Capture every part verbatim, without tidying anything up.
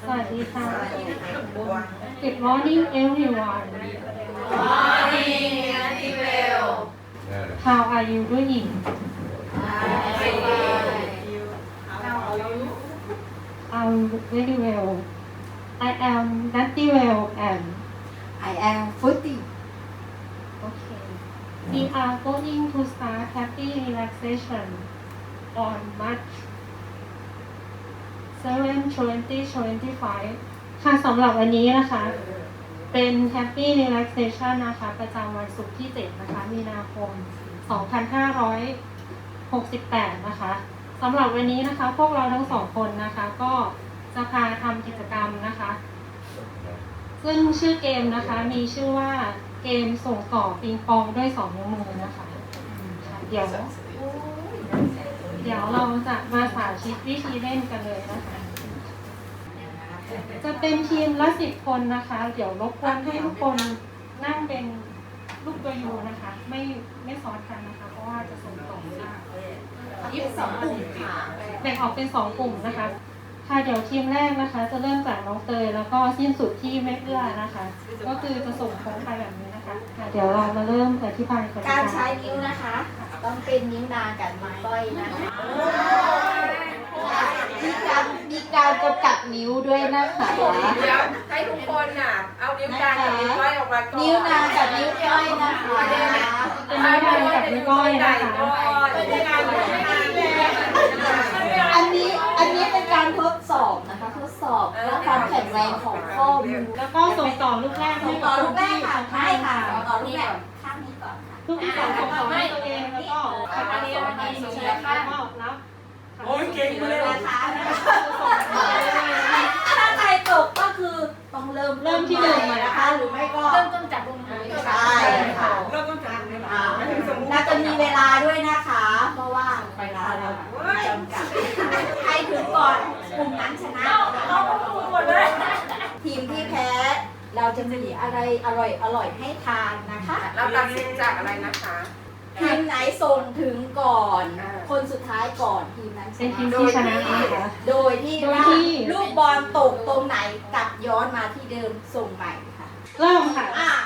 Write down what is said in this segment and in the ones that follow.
สวัสดีค่ะ Good morning everyone. Morning, Auntie Bell. How are you doing? I'm very well. I am Natty well and I am Footy. okay. We are going to start happy relaxation on March seventh, twenty twenty-five ค่ะสำหรับวันนี้นะคะ เป็น Happy Relaxation นะคะ ประจำวันศุกร์ที่ เจ็ด นะคะ มีนาคม สองพันห้าร้อยหกสิบแปด นะคะสำหรับวันนี้นะคะ พวกเราทั้งสองคนนะคะ ก็จะพาทำกิจกรรมนะคะ ซึ่งชื่อเกมนะคะ มีชื่อว่าเกมส่งต่อปิงปองด้วยสองนิ้วมือนะคะเดี๋ยว เดี๋ยวเราจะมาสาธิตวิธีเล่นกันเลยนะคะ จะเป็นทีมละสิบคนนะคะ เดี๋ยวรบกวนให้ทุกคนนั่งเป็นลูกตัวยูนะคะ ไม่ไม่ซ้อนกันนะคะ เพราะว่าจะส่งต่อไม่ได้ยี่สิบสองกลุ่มค่ะแบ่งออกเป็นสองกลุ่มนะคะ ค่ะเดี๋ยวทีมแรกนะคะ จะเริ่มจากน้องเตยแล้วก็สิ้นสุดที่แม่เอื้อนะคะ ก็คือจะส่งโค้งไปแบบนี้นะคะค่ะเดี๋ยวเรามาเริ่มอธิบายกันการใช้นิ้วนะคะ ต้องเป็นนิ้วนางกับนิ้วก้อยนะคะมีการมีการกำกับนิ้วด้วยนะคะเดี๋ยวให้ทุกคนน่ะ เอานิ้วกลางกับนิ้วก้อยออกมาก่อนนิ้วนางกับนิ้วก้อยนะคะเป็นนิ้วนางกับนิ้วก้อยนะคะเป็นการนิ้วนางอันนี้อันนี้เป็นการทดสอบนะคะทดสอบและความแข็งแรงของข้อมือแล้วก็ส่งต่อลูกแรกให้ต่กัอบ ลูลูกกแรที่กค่ะข้าใช่งค่ะต่อลูกแรกข้างนี้ก่อนค่ะลูกที่สองส่งต่อให้ตัวเองแล้วก็ขับอันนี้อันนี้ส่งแล้วก็รับโอ้ยเก่งมาเลยนะคะถ้าใครตกก็คือต้องเริ่มเริ่มที่หนึ่งใหม่นะคะหรือไม่ก็เริ่มต้นจากตรงไหนใช่ค่ะเริ่มต้นจากนี้อ่าแล้วจะมีเวลาด้วยนะคะ เพราะว่าเวลาเราจำกัดใครถึงก่อนกลุ่มนั้นชนะเอาหมดเลยทีมที่แพ้เราจะมีอะไรอร่อยอร่อยให้ทานนะคะเราตัดสินจากอะไรนะคะทีมไหนส่งถึงก่อนอ่าคนสุดท้ายก่อนทีมนั้นชเป็นทีมนะที่ชนะนะคะโดยที่โดยว่าที่ลูกบอลตกตรงไหนกลับย้อนมาที่เดิมส่งใหม่ค่ะเริ่มค่ะอ่ะ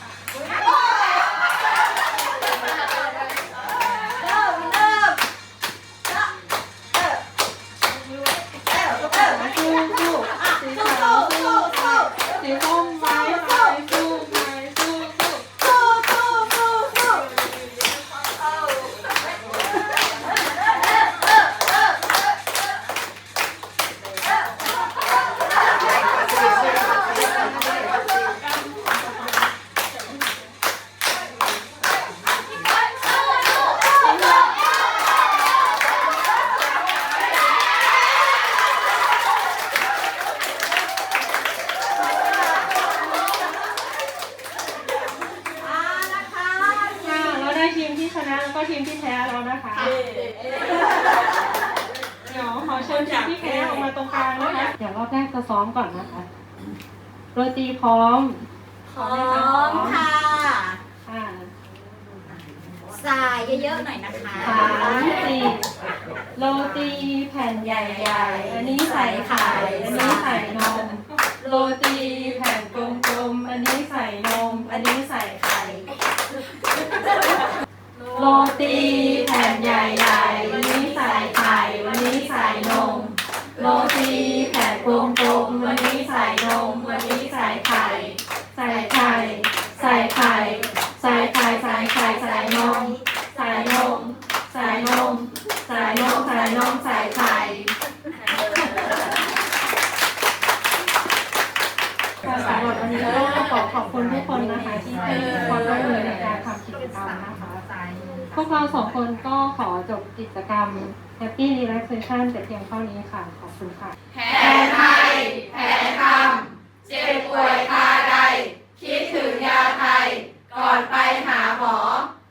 เริ่มเริ่มเออเออเออสู้สู้อ่ะสีสู้ขาวสู้สู้สู้สู้สีส้มไม้ไม้สู้ไม้สู้สู้สู้สู้สู้สู้อ่านะคะค่ะเราได้ทีมที่ชนะแล้วก็ทีมที่แพ้แล้วนะคะ เดี๋ยวขอเชิญทีมที่แพ้ออกมาตรงกลางนะคะ เดี๋ยวรอบแรกจะซ้อมก่อนนะคะโรตีพร้อมพร้อมค่ะค่ะสายเยอะๆหน่อยนะคะสามสี่โรตีแผ่นใหญ่ๆ อันนี้ใส่ไข่ อันนี้ใส่นม โรตีแผ่นกลมๆ อันนี้ใส่นม อันนี้ใส่ไข่ โรตีแผ่นใหญ่ๆ อันนี้ใส่ไข่ อันนี้ใส่นม โรตีแผ่นกลมๆ อันนี้ใส่นม อันนี้ใส่ไข่ ใส่ไข่ ใส่ไข่ ใส่ไข่ ใส่ไข่ ใส่นม ใส่นม ใส่นม ใส่นม ใส่นม ใส่ไข่ค่ะสำหรับวันนี้ก็ขอขอบคุณทุกคนนะคะที่ให้ความร่วมมือในการทำกิจกรรมนะคะ พวกเราสองคนก็ขอจบกิจกรรม Happy Relaxation แต่เพียงเท่านี้ค่ะ ขอบคุณค่ะแพ้ไทยแพ้ธรรมเจ็บป่วยคาใด คิดถึงยาไทย ก่อนไปหาหมอ